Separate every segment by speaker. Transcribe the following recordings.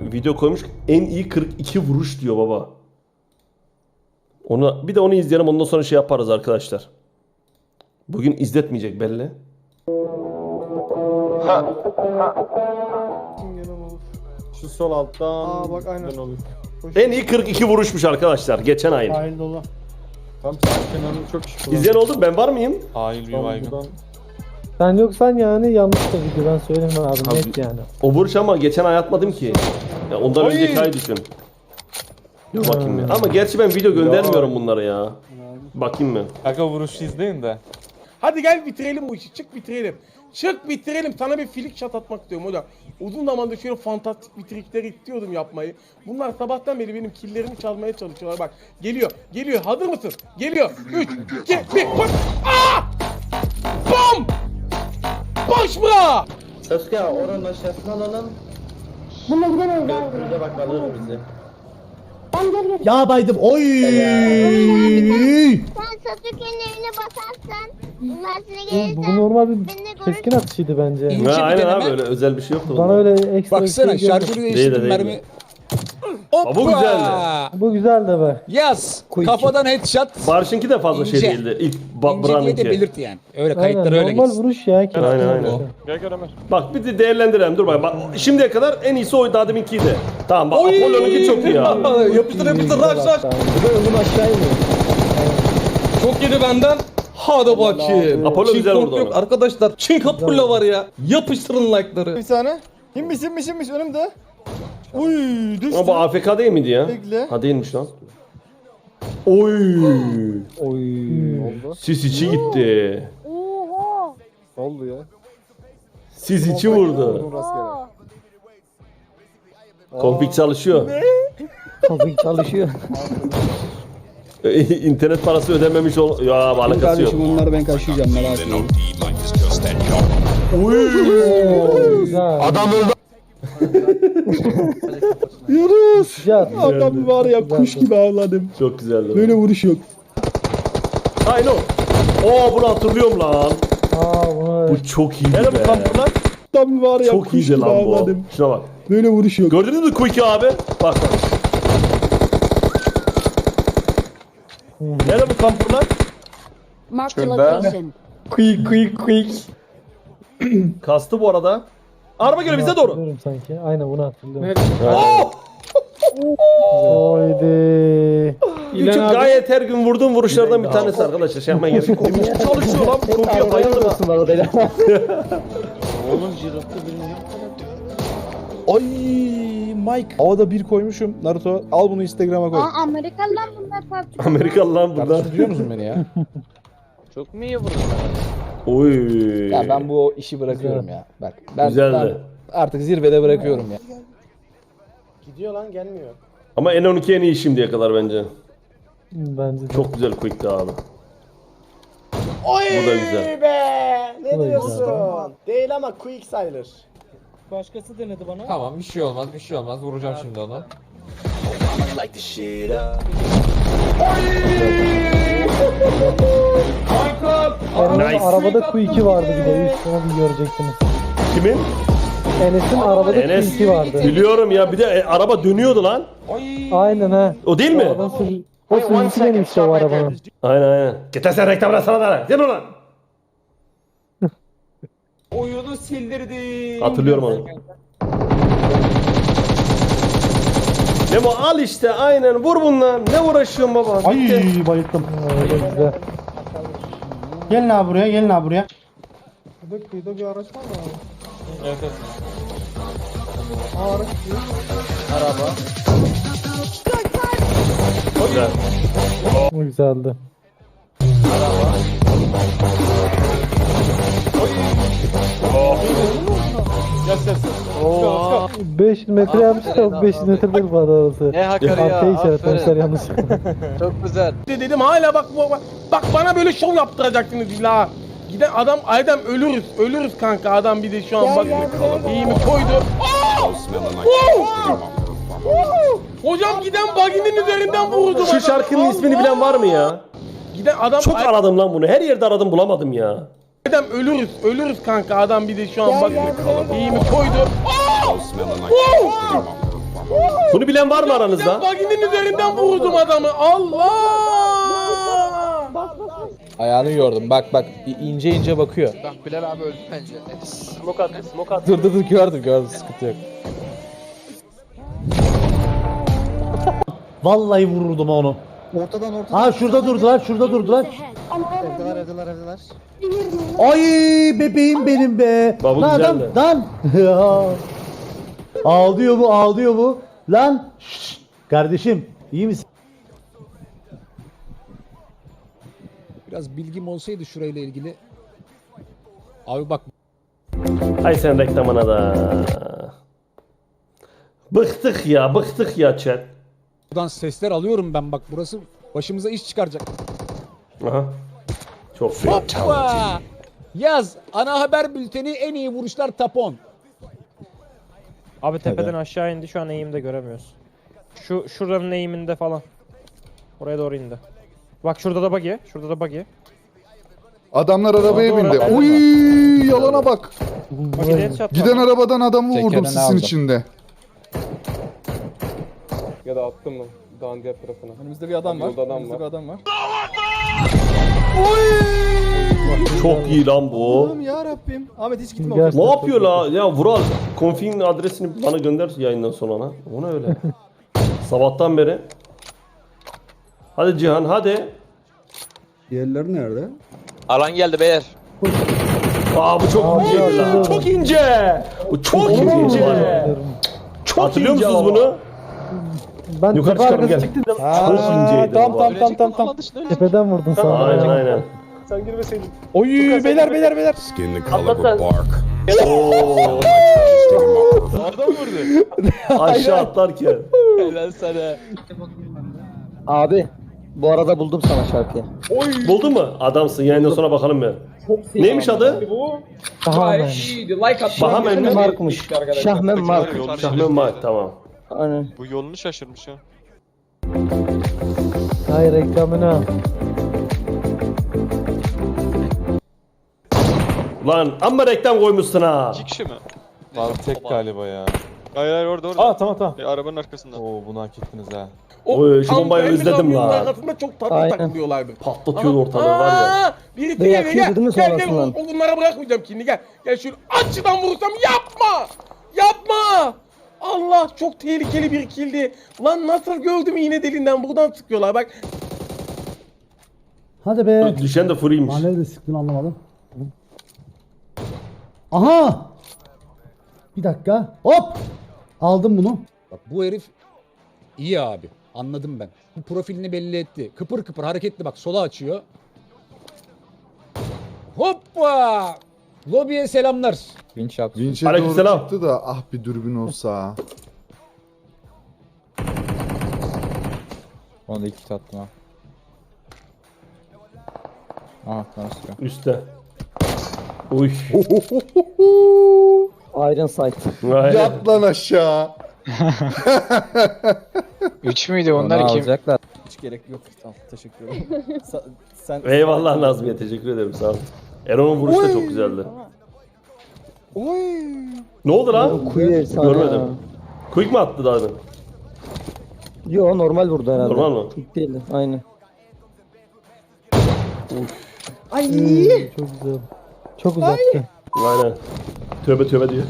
Speaker 1: video koymuş. En iyi 42 vuruş diyor baba. Onu bir de onu izleyelim, ondan sonra şey yaparız arkadaşlar. Bugün izletmeyecek belli.
Speaker 2: Şu sol alttan.
Speaker 3: Bak aynen.
Speaker 2: Olur.
Speaker 1: En iyi 42 vuruşmuş arkadaşlar geçen ayın.
Speaker 3: Sahil dolu.
Speaker 2: Tam sağ kenarını çok şık.
Speaker 1: İzleyen oldu mu? Ben var mıyım?
Speaker 4: Hayır bir baygın.
Speaker 5: Sen yoksan yani yanlış da video, ben söyleyeyim abi, net yani.
Speaker 1: O vuruş ama geçen ay atmadım ki. Ya ondan önceki ay düşün. Dur bakayım ya. Ama gerçi ben video göndermiyorum bunlara ya. Bakayım mı?
Speaker 4: Kanka vuruşu izleyin de.
Speaker 3: Hadi gel bitirelim bu işi. Çık bitirelim. Çık bitirelim. Sana bir flick shot atmak istiyorum hocam. Uzun zamandır şöyle fantastik bir trikler istiyordum yapmayı. Bunlar sabahtan beri benim killerimi çalmaya çalışıyorlar. Bak geliyor. Geliyor. Hazır mısın? Geliyor. 3, 2, 1. Koş. Aa! Bam! Boş mu?
Speaker 6: Özge oranın aşağısına alalım.
Speaker 7: Bununla gidemeyiz abi.
Speaker 6: Bize bak alır bizi.
Speaker 7: Ben gel gel.
Speaker 8: Ya baydım. Oy!
Speaker 7: Sen Sasuke'nin evine basarsan bunlar size gelirse
Speaker 5: Bu normal bir
Speaker 7: benimle
Speaker 5: keskin
Speaker 7: görürsün.
Speaker 5: atışıydı bence.
Speaker 1: Ha, aynen abi, öyle özel bir şey yoktu.
Speaker 5: Bana
Speaker 1: bunda.
Speaker 5: öyle ekstra
Speaker 8: Baksana
Speaker 5: bir şey gelmedi.
Speaker 8: şarjörü
Speaker 1: Değil de
Speaker 8: değiştirdim
Speaker 1: değil
Speaker 8: mermi.
Speaker 1: de. Ha, bu güzeldi.
Speaker 5: Bu güzel de be.
Speaker 8: Yaz.
Speaker 5: Quick.
Speaker 8: Kafadan headshot.
Speaker 1: Barış'ınki de fazla şey
Speaker 8: İnce.
Speaker 1: değildi. İlk
Speaker 8: İnce diye de
Speaker 1: Buran'ınki.
Speaker 8: belirt yani. Öyle
Speaker 5: Aynen,
Speaker 8: kayıtlar öyle
Speaker 5: normal
Speaker 8: gitsin.
Speaker 5: vuruş ya.
Speaker 1: Aynen aynen.
Speaker 4: Gel gel Ömer.
Speaker 1: Bak bir de değerlendirelim. Dur bak. Şimdiye kadar en iyisi oydu, daha deminkiydi. Tamam bak, Apollo'nunki çok iyi ya.
Speaker 8: Yapıştır yapıştır raş raş.
Speaker 5: Bir de önüm aşağı iniyor.
Speaker 9: Çok yedi benden. Hadi bakayım.
Speaker 1: Apollo
Speaker 9: Çin
Speaker 1: güzel
Speaker 9: kork
Speaker 1: vurdu
Speaker 9: yok
Speaker 1: onu.
Speaker 9: arkadaşlar. Çin Apollo var ya. Yapıştırın like'ları.
Speaker 2: Bir saniye. Kimmiş önümde. Uy düştü.
Speaker 1: Ama bu AFK değil miydi ya?
Speaker 2: Bekle.
Speaker 1: Ha değilmiş lan. Oy.
Speaker 2: Oldu.
Speaker 1: Sis içi gitti.
Speaker 7: Oho.
Speaker 2: Oldu ya.
Speaker 1: Sis içi vurdu.
Speaker 7: Oho.
Speaker 1: Konfig çalışıyor.
Speaker 5: Tabii çalışıyor.
Speaker 1: İnternet parası ödememiş ol. Ya alakası yok.
Speaker 8: Bunları ben kaşıyacağım merak etmeyin.
Speaker 5: Güzel.
Speaker 2: Yunus.
Speaker 5: Güzel.
Speaker 2: Adam var ya kuş gibi avladım.
Speaker 1: Çok güzeldi.
Speaker 2: Böyle vuruş yok.
Speaker 1: Aynen o. Oo, bunu hatırlıyorum lan.
Speaker 5: Bunu
Speaker 1: Bu çok iyiydi
Speaker 2: Nerede bu
Speaker 1: be.
Speaker 2: kamplar? Adam var ya
Speaker 1: Çok
Speaker 2: kuş
Speaker 1: iyiydi
Speaker 2: gibi
Speaker 1: lan bu.
Speaker 2: avladım.
Speaker 1: Şuna bak.
Speaker 2: Böyle vuruş yok.
Speaker 1: Gördünüz mü Quick'i abi? Bak bak. Nerede bu kampırlar?
Speaker 7: Mark the location.
Speaker 2: Quick.
Speaker 1: Kastı bu arada. Araba geliyor bize doğru.
Speaker 5: Hatırlıyorum sanki. Aynen bunu hatırlıyorum.
Speaker 1: Oh!
Speaker 5: Oydi.
Speaker 1: Küçük gayet her gün vurduğum vuruşlardan bir tanesi arkadaşlar. Şey yapmayın gerek yok. Çalışıyor lan bu Quick'e bayıldım.
Speaker 6: Oğlum jirotta birini yok.
Speaker 8: Ay Mike. Havada bir koymuşum. Naruto al bunu Instagram'a koy.
Speaker 7: Aa Amerikalılar bunlar PUBG.
Speaker 1: Amerikalı lan burada.
Speaker 8: Duyuyor musun beni ya?
Speaker 6: Çok mu iyi vurdun?
Speaker 1: Oy.
Speaker 8: Ya ben bu işi bırakıyorum ya. Bak ben
Speaker 1: Güzeldi.
Speaker 8: artık zirvede bırakıyorum ya.
Speaker 2: Gidiyor lan gelmiyor.
Speaker 1: Ama N12 en iyi şimdiye kadar bence.
Speaker 5: Bence de.
Speaker 1: Çok güzel Quick'ti abi.
Speaker 2: Oy
Speaker 1: Bu da güzel.
Speaker 2: be. Ne
Speaker 5: Bu da
Speaker 2: diyorsun?
Speaker 5: güzel.
Speaker 2: Değil ama quick sayılır.
Speaker 3: Başkası denedi bana.
Speaker 9: Tamam bir şey olmaz bir şey olmaz. Vuracağım şimdi onu.
Speaker 5: Enes'in arabada Q2 vardı bir de. Üstüne bir görecektiniz.
Speaker 1: Kimin?
Speaker 5: Enes'in arabada
Speaker 1: Enes.
Speaker 5: Q2 vardı.
Speaker 1: Biliyorum ya, bir de araba dönüyordu lan.
Speaker 5: Aynen ha.
Speaker 1: O değil mi?
Speaker 5: O sürücüsü benim işte o arabanın.
Speaker 1: Aynen aynen. Getir sen reklamına sana da. Gel ulan.
Speaker 9: Oyunu sildirdim.
Speaker 1: Hatırlıyorum onu. Memo al işte, aynen vur bundan. Ne uğraşıyorsun baba? Bitti.
Speaker 3: Ay bayıldım.
Speaker 5: Öyle güzel.
Speaker 3: Gelin abi buraya gelin abi buraya.
Speaker 2: Kıyıda bir araç var mı abi?
Speaker 4: Evet evet.
Speaker 2: Araç diyor.
Speaker 1: Güzel.
Speaker 5: Bu güzeldi.
Speaker 4: Yes yes.
Speaker 5: 500 metre yapmış da 500 metre değil bu arası.
Speaker 6: Ne hakarı ya.
Speaker 5: Arkaya işaretlemişler
Speaker 6: Aferin.
Speaker 5: yanlış.
Speaker 6: Çok güzel.
Speaker 3: Dedim hala bak bana böyle şov yaptıracaksınız illa. Giden adam ölürüz kanka, adam bir de şu an bak iyi mi koydu. Aa! Hocam giden baginin üzerinden vurdu.
Speaker 1: Şu şarkının ismini bilen var mı ya?
Speaker 3: Giden adam
Speaker 1: Çok aradım lan bunu. Her yerde aradım, bulamadım ya.
Speaker 3: adam ölürüz kanka, adam bir de şu an bak iyi mi koydu. Aa!
Speaker 1: Bunu bilen var mı aranızda?
Speaker 3: Baginin üzerinden vurdum adamı. Allah!
Speaker 8: Ayağını gördüm. Bak ince ince bakıyor.
Speaker 6: Bak Bilal abi öldü bence.
Speaker 1: Smoke at, smoke at.
Speaker 8: Dur gördüm sıkıntı yok.
Speaker 10: Vallahi vururdum onu.
Speaker 2: Ortadan.
Speaker 10: Ha şurada durdular.
Speaker 2: Evdeler.
Speaker 10: Ay bebeğim benim be.
Speaker 1: Baba
Speaker 10: Lan
Speaker 1: güzeldi.
Speaker 10: Lan. Ağlıyor bu. Lan. Şşş. Kardeşim iyi misin?
Speaker 8: Biraz bilgim olsaydı şurayla ilgili. Abi bak
Speaker 1: Ay sen reklamına da. Bıktık ya chat.
Speaker 8: buradan sesler alıyorum ben bak burası başımıza iş çıkaracak.
Speaker 1: Aha. Çok iyi.
Speaker 8: Hoppa! Yaz ana haber bülteni en iyi vuruşlar tapon.
Speaker 11: Abi tepeden aşağı indi, şu an eğimde göremiyoruz. Şuranın eğiminde falan. Oraya doğru indi. Bak şurada da buggy.
Speaker 2: Adamlar arabaya
Speaker 11: Doğru,
Speaker 2: bindi.
Speaker 11: doğru.
Speaker 2: Uy, yalana bak.
Speaker 11: Buggy'de headshot
Speaker 2: Giden
Speaker 11: var.
Speaker 2: arabadan adamı vurdum
Speaker 8: Tekerine
Speaker 2: sisin
Speaker 8: aldım.
Speaker 2: içinde.
Speaker 3: Ya da attım mı? Dağın diğer tarafına.
Speaker 2: Önümüzde bir adam var.
Speaker 3: Yolda adam
Speaker 2: Önümüzde
Speaker 3: var.
Speaker 2: bir adam var.
Speaker 1: Çok iyi lan bu.
Speaker 2: Allah'ım ya Rabbim. Ahmet hiç gitme.
Speaker 5: Gerçekten
Speaker 1: Ne yapıyor la? Ya Vural konfig'in adresini bana gönder yayından sonra lan. O ne öyle? Sabahtan beri. Hadi Cihan hadi.
Speaker 2: Diğerleri nerede?
Speaker 6: Alan geldi beyler.
Speaker 1: Aa bu çok inceydi lan. Çok ince. Bu çok ince. Çok Hatırlıyor
Speaker 5: ince
Speaker 1: musunuz
Speaker 5: ama.
Speaker 1: bunu?
Speaker 5: Ben
Speaker 1: Yukarı
Speaker 5: tepe
Speaker 1: çıkalım,
Speaker 5: arkası
Speaker 1: gel.
Speaker 5: çıktım.
Speaker 1: Çok inceydi.
Speaker 8: Tamam.
Speaker 5: Tepeden vurdun sana.
Speaker 1: Aynen.
Speaker 11: Sen girmeseydin.
Speaker 8: Oy beyler.
Speaker 1: Oo.
Speaker 3: Adam vurdu.
Speaker 1: Aşağı atlarken.
Speaker 6: Helal sana. Abi bu arada buldum sana şarkıyı.
Speaker 1: Buldun mu? Adamsın. Yayından sonra bakalım ya. Neymiş adı?
Speaker 5: Tamamen.
Speaker 1: Bahamen mi?
Speaker 6: Mark'mış. Şahmen Mark.
Speaker 1: Şahmen Mark tamam.
Speaker 6: Aynen.
Speaker 4: Bu yolunu şaşırmış ha.
Speaker 5: Hayır reklamına.
Speaker 1: Lan amma reklam koymuşsun ha.
Speaker 4: 2 kişi mi? Var tek galiba ya. Hayır orada.
Speaker 11: Aa tamam.
Speaker 4: Arabanın arkasında. Oo bunu hak ettiniz ha.
Speaker 1: Oy, şu bombayı
Speaker 3: Ankara'nın
Speaker 1: özledim
Speaker 3: kamyonun
Speaker 1: lan.
Speaker 3: arkasında çok tatlı
Speaker 6: Aynen.
Speaker 3: takılıyorlardı.
Speaker 1: Patlatıyor ortalığı var ya.
Speaker 3: Aa, biri
Speaker 6: Ve
Speaker 3: gel
Speaker 6: yakıyordu değil mi
Speaker 3: gel
Speaker 6: sonrasından?
Speaker 3: onlara bırakmayacağım şimdi gel. Gel şöyle açıdan vurursam yapma. Allah çok tehlikeli bir kildi. Lan nasıl gördüm iğne deliğinden buradan sıkıyorlar bak.
Speaker 10: Hadi be.
Speaker 1: Düşen de fırıymış.
Speaker 10: Nerede sıktın anlamadım. Aha! Bir dakika. Hop! Aldım bunu.
Speaker 8: Bak bu herif iyi abi. Anladım ben. Bu profilini belli etti. Kıpır kıpır hareketli bak sola açıyor. Hoppa! Lobiye selamlar.
Speaker 2: Vinç'e
Speaker 1: Aleykümselam.
Speaker 2: doğru çıktı da ah bir dürbün olsa.
Speaker 8: Onu da iki kit attım ha. Aha tamam sıkıyor.
Speaker 1: Üste. Uy.
Speaker 6: Iron Sight.
Speaker 1: Aynen.
Speaker 2: Yat lan aşağı.
Speaker 6: 3 müydü onlar kim?
Speaker 8: Alacaklar.
Speaker 2: Hiç gerek yok. Tamam teşekkür ederim. Sen
Speaker 1: Eyvallah Nazmiye teşekkür ederim sağ ol. Erol'un vuruşu da çok güzeldi. Ne oldu lan?
Speaker 6: Kuyu efsane
Speaker 1: Görmedim.
Speaker 6: ya.
Speaker 1: Quick mi attı daha demin?
Speaker 6: Yo normal vurdu herhalde.
Speaker 1: Normal mı?
Speaker 6: Quick değildi. Aynen.
Speaker 5: Çok güzel. Çok uzaktı.
Speaker 1: Aynen. Tövbe diyor.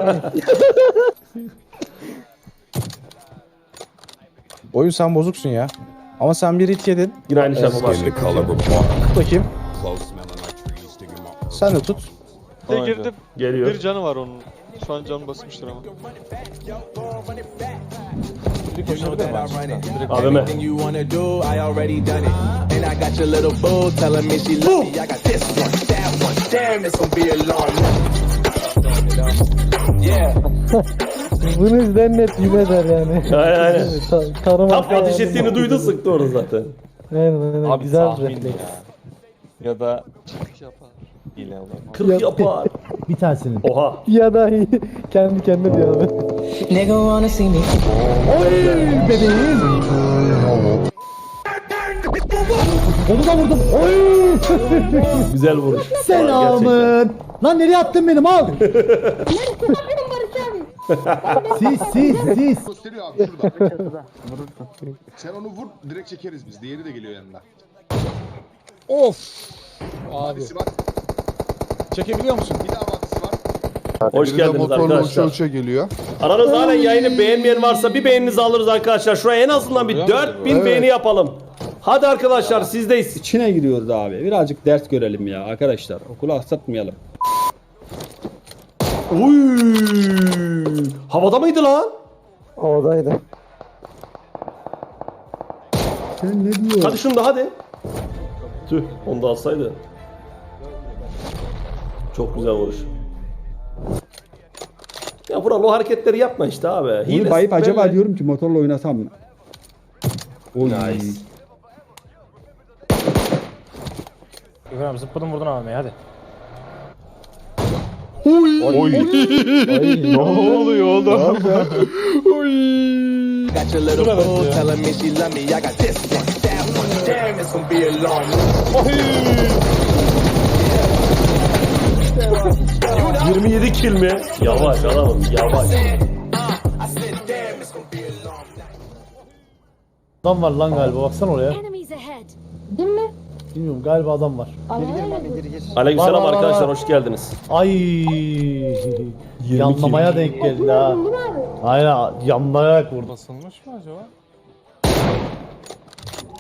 Speaker 8: Oyun sen bozuksun ya. Ama sen bir hit yedin.
Speaker 1: Yine aynı şey yapamaz.
Speaker 8: Tut bakayım. Sen de tut.
Speaker 4: Girdim.
Speaker 1: Geliyor.
Speaker 4: Bir canı var onun. Şu an canı basmıştır ama.
Speaker 1: AVM.
Speaker 5: Bunu izleyen net yine eder yani.
Speaker 1: Aynen.
Speaker 5: Tarım
Speaker 1: Tam ateş ettiğini duydu sıktı orada zaten.
Speaker 5: Aynen.
Speaker 4: Abi
Speaker 5: Güzel
Speaker 4: tahmin
Speaker 5: refleks.
Speaker 4: ya. Ya da yapar. Hile olur.
Speaker 1: 40 yapar.
Speaker 10: Bir tanesinin.
Speaker 1: Oha.
Speaker 5: Ya da kendi kendine diyor abi.
Speaker 10: Bebeğim. Onu da vurdum. Oy!
Speaker 1: Güzel vuruş.
Speaker 10: Selamın. Lan nereye attın benim al. Sis.
Speaker 12: Gösteriyor abi şurada. Sen onu vur direkt çekeriz biz. Diğeri de geliyor yanına.
Speaker 8: Of. Abi.
Speaker 12: Vadisi var.
Speaker 8: Çekebiliyor musun?
Speaker 12: Bir daha vadisi var.
Speaker 1: Hoş geldiniz arkadaşlar.
Speaker 12: Geliyor.
Speaker 1: Aranızda halen yayını beğenmeyen varsa bir beğeninizi alırız arkadaşlar. Şuraya en azından bir 4000 beğeni yapalım. Hadi arkadaşlar sizdeyiz.
Speaker 2: İçine giriyoruz abi. Birazcık ders görelim ya arkadaşlar. Okulu aksatmayalım.
Speaker 1: Uy! Havada mıydı lan?
Speaker 5: Oradaydı.
Speaker 10: Sen ne diyorsun?
Speaker 1: Hadi şunu da hadi. Tüh, onu da alsaydı. Çok güzel vuruş. Ya Vural o hareketleri yapma işte abi.
Speaker 2: Bunu
Speaker 1: Hile
Speaker 2: bayıp acaba
Speaker 1: belli.
Speaker 2: diyorum ki motorla oynasam mı? Oy.
Speaker 1: Nice.
Speaker 11: İbrahim zıpladın vurdun abi hadi.
Speaker 2: Ne oluyor oğlum?
Speaker 6: Got your little boo telling me she love me. I got this one, that one. Damn, it's gonna be a long one.
Speaker 1: 27 kill mi? Yavaş adamım yavaş.
Speaker 10: Adam var lan galiba. Baksana oraya.
Speaker 7: Enemies ahead. Değil mi?
Speaker 10: Bilmiyorum galiba adam var.
Speaker 1: Aleykümselam
Speaker 10: Var, var,
Speaker 1: arkadaşlar
Speaker 10: var.
Speaker 1: hoş geldiniz.
Speaker 10: Ay. Yanlamaya denk geldi ha. Aynen yanlayarak vurdu.
Speaker 3: Basılmış mı acaba?